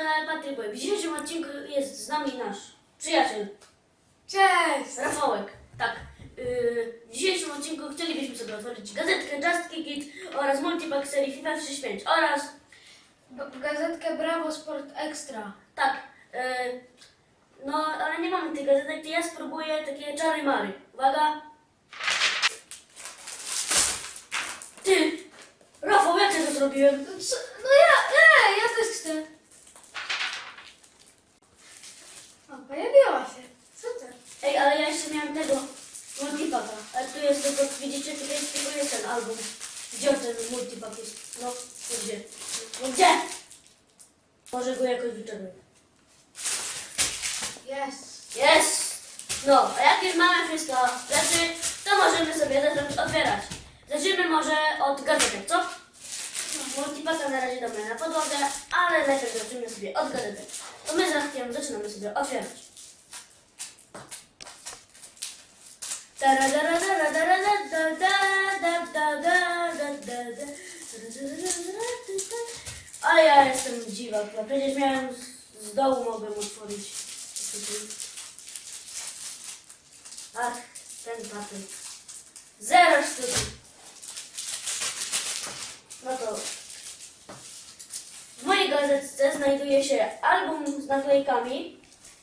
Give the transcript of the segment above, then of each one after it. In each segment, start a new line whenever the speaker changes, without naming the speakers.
kanale Patryk Boy. W dzisiejszym odcinku jest z nami nasz przyjaciel
Cześć!
Rafałek. Tak. W dzisiejszym odcinku chcielibyśmy sobie otworzyć gazetkę Just Kick It oraz multipack serii FIFA 35 oraz
Gazetkę Bravo Sport Extra.
tak. No, ale nie mamy tej gazetek, to ja spróbuję takie czary mary. Uwaga. Ty! Rafał, jak ja to zrobiłem?
Co? No ja też chcę. O, pojawiła się. Super.
Ej, ale ja jeszcze miałem tego multipacka. Ale tu jest tylko, widzicie, tutaj jest tylko jest ten album. Gdzie ten multipack jest? No, to gdzie? No gdzie? Może go jakoś wyczerpię.
Jest.
Jest! No, a jak już mamy wszystko rzeczy, to możemy sobie zacząć otwierać. Zacznijmy może od gazetek, co? Multipacka na razie dobra na podłogę, ale najpierw zaczniemy sobie od gazetek. To my z Rafkiem zaczynamy sobie otwierać. Ale ja jestem dziwak, no przecież miałem z dołu mogłem otworzyć. Ach, ten patent. 0 sztuki. No to w mojej gazetce znajduje się album z naklejkami.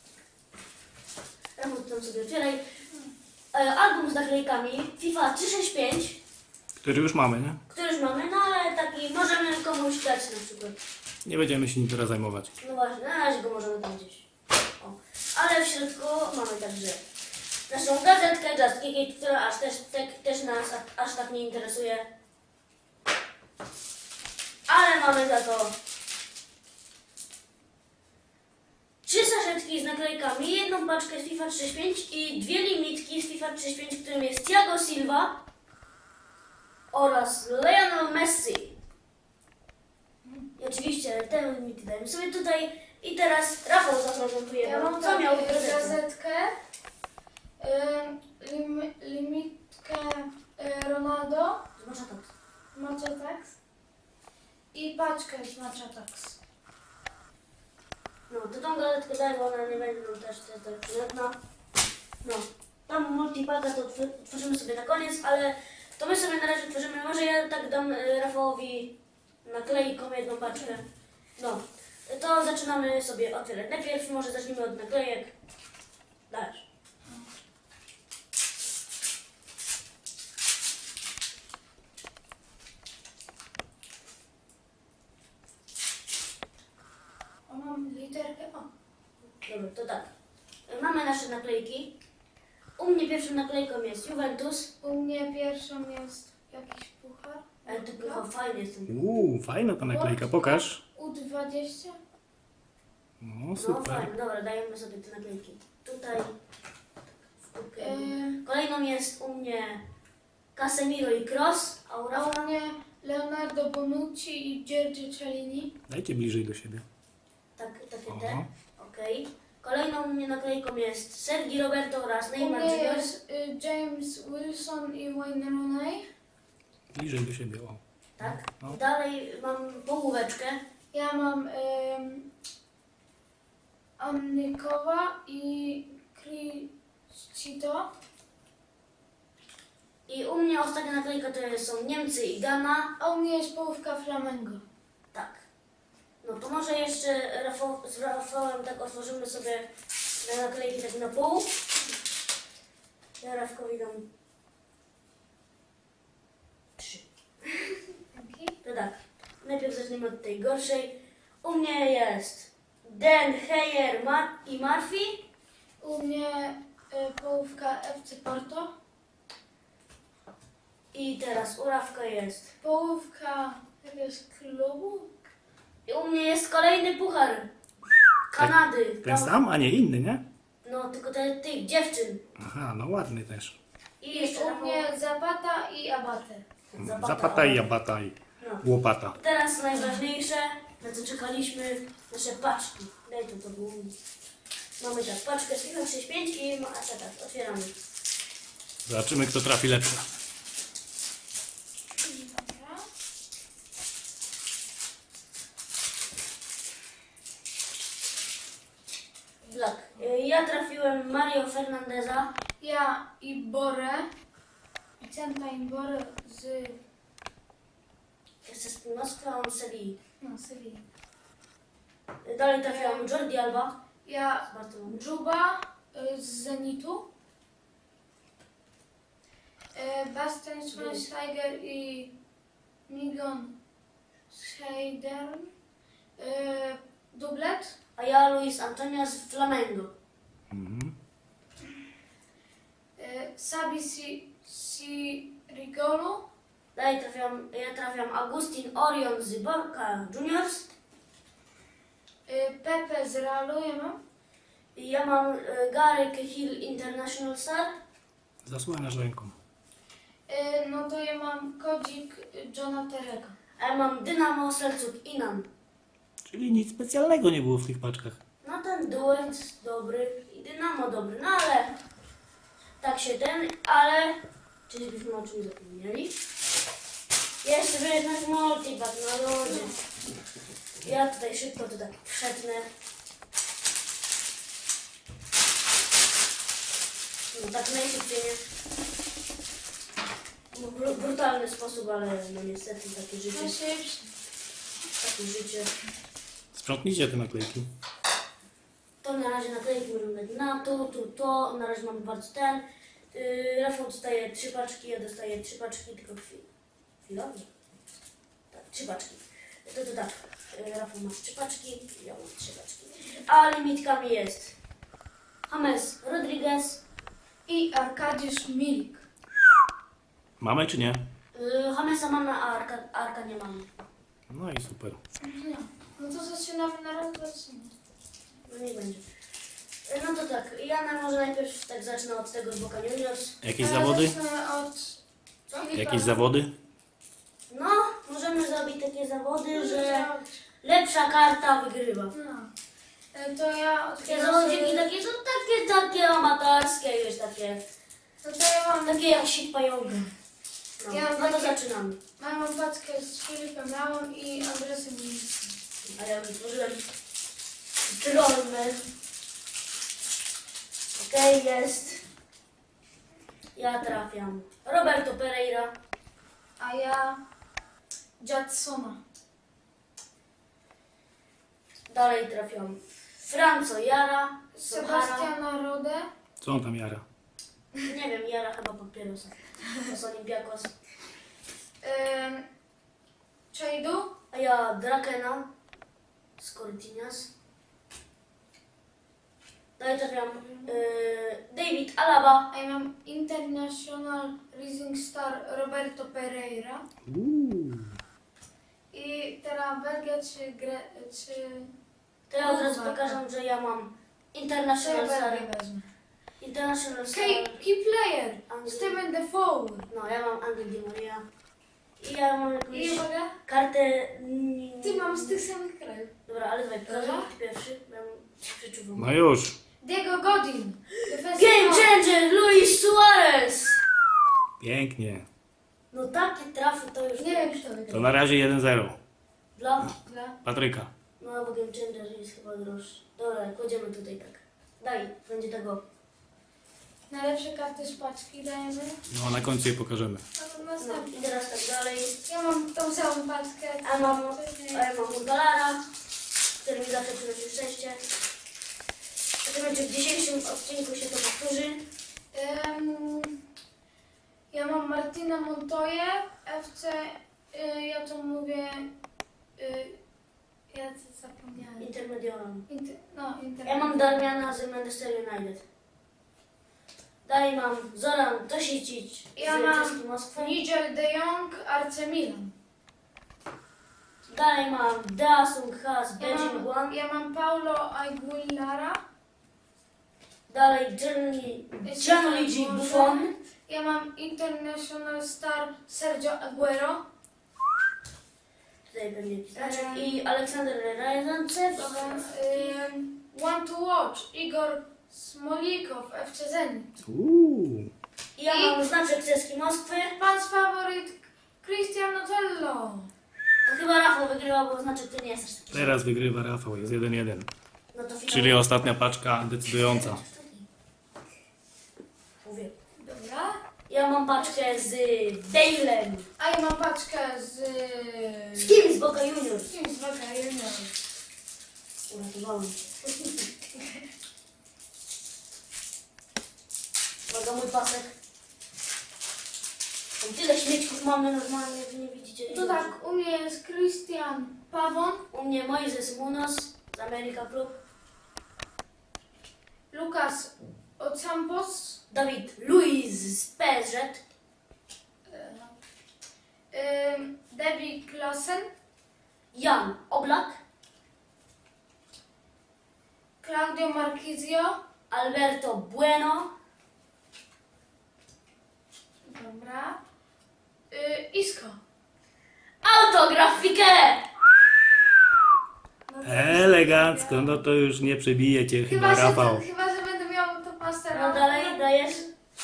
Rafał, tam sobie otwieraj. Album z naklejkami FIFA 365,
Który już mamy, nie?
który już mamy, no ale taki możemy komuś dać na przykład.
Nie będziemy się nim teraz zajmować.
No właśnie, na razie go możemy tam gdzieś. O. Ale w środku mamy także naszą gazetkę Just Kick It, która też nas aż tak nie interesuje. Ale mamy za to 3 saszetki z naklejkami, jedną paczkę z FIFA 35 i 2 limitki z FIFA 35, w którym jest Thiago Silva oraz Lionel Messi. I oczywiście te limity dajemy sobie tutaj. I teraz Rafał zaprezentuje
Ja
nam,
mam
co miał w
taką
gazetce.
gazetkę, limitkę Ronaldo,
Może tak.
Machatax i paczkę z Machatax.
No, to tą gazetkę daj, bo ona nie będzie nam też tak przydatna. No, tam multipacka to tworzymy sobie na koniec, ale to my sobie na razie tworzymy. Może ja tak dam Rafałowi naklejką jedną paczkę. No, to zaczynamy sobie otwierać. Najpierw może zacznijmy od naklejek. Dajesz.
O, mam literkę O.
Dobra, to tak. Mamy nasze naklejki. U mnie pierwszą naklejką jest Juventus.
U mnie pierwszą jest jakiś puchar.
Ale to chyba fajnie jest ten.
Fajna ta naklejka, pokaż.
U20.
No,
No
super.
fajnie, dobra, dajemy sobie te naklejki. Tutaj. W kubkę.
Yy,
Kolejną jest u mnie Casemiro i Kroos.
A
Aura.
u mnie Leonardo Bonucci i Giorgio Cellini.
Dajcie bliżej do siebie.
Takie
Aha.
te. Okej. Kolejną u mnie naklejką jest Sergi Roberto oraz
U
Neymar
mnie
Junior.
jest James Wilson i Wayne Rooney.
Bliżej do siebie, o.
Tak.
No.
Dalej mam połóweczkę.
Ja mam Annikowa i Criscito.
I u mnie ostatnia naklejka to są Niemcy i Ghana.
A u mnie jest połówka Flamengo.
Tak. No to może jeszcze z Rafałem tak otworzymy sobie te naklejki tak na pół. Ja Rafkowi dam 3. To tak. Najpierw zaczniemy od tej gorszej. U mnie jest Den Heyer i Murphy.
U mnie połówka FC Porto.
I teraz u Rafka jest.
Połówka jakiegoś klubu.
I u mnie jest kolejny puchar Kanady.
Ten
Tam-
sam, a nie inny, nie?
No, tylko tych dziewczyn.
Aha, no ładny też.
I jeszcze
U
Rafał-
mnie Zapata i Abate.
Zapata i jabata i
No.
łopata.
Teraz najważniejsze, na co czekaliśmy, nasze paczki. Daj to było. Mamy tak, paczkę z FIFA 35 i tak, otwieramy.
Zobaczymy, kto trafi lepsze.
Dobra.
Tak. Ja trafiłem Mario Fernandeza.
Ja Iborę. Vicenta Iborę z
Jeszcze z Moskwy, a on z Sewilli.
no, Sewilli.
Dalej trafiłam Jordi Alba
Ja
z Barcelony.
Dżuba z Zenitu. Bastian Schweinsteiger i Migon Scheidern. Dublet.
A ja Luis Antonia z Flamengo.
Mhm.
Sabi Sirigolo.
Dalej ja trafiam Agustin Orion z Boca Juniors.
Pepe z Realu ja mam.
I ja mam Gary Cahill International Star.
Zasłaniasz ręką.
No to ja mam kodzik Johna Tereka.
A ja mam Dynamo Selçuk Inan.
Czyli nic specjalnego nie było w tych paczkach.
No ten duet dobry i Dynamo dobry, no ale tak się ale czyżbyśmy o czymś zapomnieli? Jeszcze by jednak multipack, no ludzie. Ja tutaj szybko to tak przetnę. No tak najszybciej nie. No, brutalny sposób, ale no niestety takie życie. Takie życie.
Sprzątnijcie te naklejki.
To na razie naklejki możemy dać na to. Na razie mamy bardzo ten. Rafał dostaje 3 paczki, ja dostaję 3 paczki, tylko chwilowo. Tak, 3 paczki. To tak. Rafał ma 3 paczki, ja mam 3 paczki. A limitkami jest James Rodriguez.
I Arkadiusz Milik.
Mamy czy nie?
Jamesa mamy, a Arka nie mamy.
No i super.
No to zaczynamy na raz, dwa, trzy.
No nie będzie. No to tak, ja może najpierw tak zacznę od tego z Boca Juniors.
Jakieś zawody?
Zacznę od Filipa.
Jakieś zawody?
No, możemy zrobić takie zawody, że lepsza karta wygrywa.
No. To ja
Takie
otwieram
zawodziki
sobie-
takie są takie amatorskie, wiesz, takie
No to ja mam
jak sit pająka. No,
Ja mam
no to
takie-
zaczynamy.
mam paczkę z Filipem Lamą i Andresem Milickim.
A ja już otworzyłem Trollman. Okej, jest. Ja trafiam Roberto Pereira.
A ja Jacksona.
Dalej trafiam Franco Jara. Sochara.
Sebastiana Rodę.
Co on tam jara?
Nie wiem, Jara chyba papierosa. To z Olympiakos.
Czejdu.
A ja Drakena z Cortinas. Dalej trafiam David Alaba.
A ja mam International Rising Star Roberto Pereira. I teraz Belgia czy
To ja od razu pokażę, że ja mam International Star.
Belgię wezmę.
International Star.
Key player.
Anglii.
Steven Defoe.
No, ja mam Angel Di Maria. I ja mam
I
jakąś
uwaga.
kartę...
Ty mam z tych samych krajów.
Dobra, ale dawaj, pokażę
Dobra.
ty pierwszy, bo ja się przeczuwam.
No już.
Diego Godin. Defensive
Game
half.
Changer, Luis Suarez!
Pięknie.
No takie trafy to już...
Nie wiem kto
To
wygrał.
na razie 1-0.
Dla...
Dla...
Patryka.
No, bo Game Changer jest chyba droższy. Dobra, kładziemy tutaj tak. Daj, będzie tego.
Najlepsze karty z paczki dajemy.
No a na końcu je pokażemy.
A to
No,
następne.
i teraz tak dalej.
Ja mam tą samą paczkę.
A ja mam Urgalara, który mi zawsze przynosi szczęście. Zobaczymy, czy w dzisiejszym odcinku się to powtórzy.
Ja mam Martina Montoya, FC, ja to mówię, ja to zapomniałem.
Intermediolem.
Inter.
Ja mam Darmiana z Manchester United. Dalej mam Zoran Tosicic
Ja
z
mam
Czeski Moskwy.
Nigel de Jong, AC Milan.
Dalej mam Daesung Ha z Beijing Guan.
Ja mam Paulo Aguilara.
Dalej Gianluigi Buffon.
Ja mam International Star Sergio Aguero.
Tutaj będzie jakiś znaczek. I Aleksander Ryazantsew.
Want to Watch, Igor Smolikow, FC Zenit.
I ja mam znaczek Czeski Moskwy.
Pan's faworyt Cristiano Tello.
To chyba Rafał wygrywa, bo znaczek to nie jest aż taki.
Teraz wygrywa Rafał, jest 1-1.
No to
Czyli ostatnia paczka decydująca.
Mówię.
Dobra.
Ja mam paczkę z Dale'em.
A ja mam paczkę z...
Z kim? Z Boca Juniors.
Z kim? Z Boca Juniors.
Uratowałem. Uwaga, mój pasek. Tam tyle śmiecików mamy normalnie, wy nie widzicie.
To tak, u mnie jest Christian Pawon,
U mnie Moises Munoz z America Club.
Lukas Ocampos,
Dawid Luiz z PSG.
Debbie Klassen,
Jan Oblak.
Claudio Marquizio.
Alberto Bueno.
Dobra. Isco.
Autografikę!
Elegancko, no to już nie przebije cię chyba Rafał.
Chyba, że będę miał to pastera.
No dalej dajesz.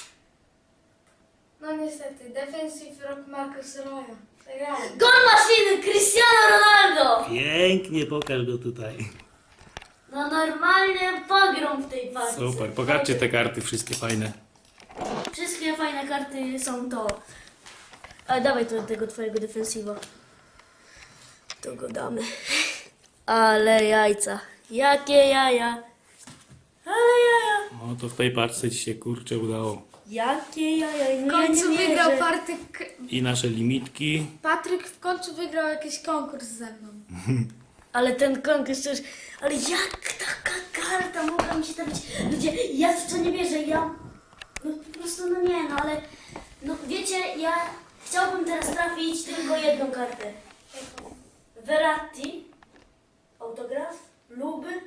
No niestety, defensive rock Marcus Roya. Przegrałem.
Gol maszyny Cristiano Ronaldo!
Pięknie, pokaż go tutaj.
No normalnie pogrom w tej paczce.
Super, pokażcie te karty wszystkie fajne.
Wszystkie fajne karty są to. Ale dawaj to tego twojego defensywa. To go damy. Ale jajca. Jakie jaja. Ale jaja.
No to w tej paczce ci się kurczę udało.
Jakie jaja.
W
No
końcu
ja nie
wygrał
wierzę.
I nasze limitki.
Patryk w końcu wygrał jakiś konkurs ze mną.
Ale ten konkurs już... Ale jak taka karta mogła mi się trafić? Ludzie, ja w to nie wierzę. Ja... No po prostu, no nie, no ale... No wiecie, ja chciałbym teraz trafić tylko jedną kartę. Verratti. Autograf. Luby.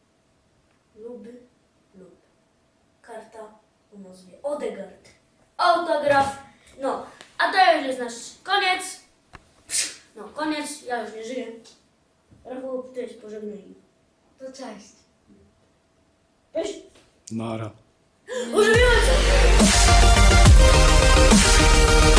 Karta o nazwie Odegaard. Autograf. No, a to już jest nasz koniec. No, koniec. Ja już nie żyję. Rafał, ty się pożegnaj.
To cześć.
Cześć.
Nara.
Używiłem się!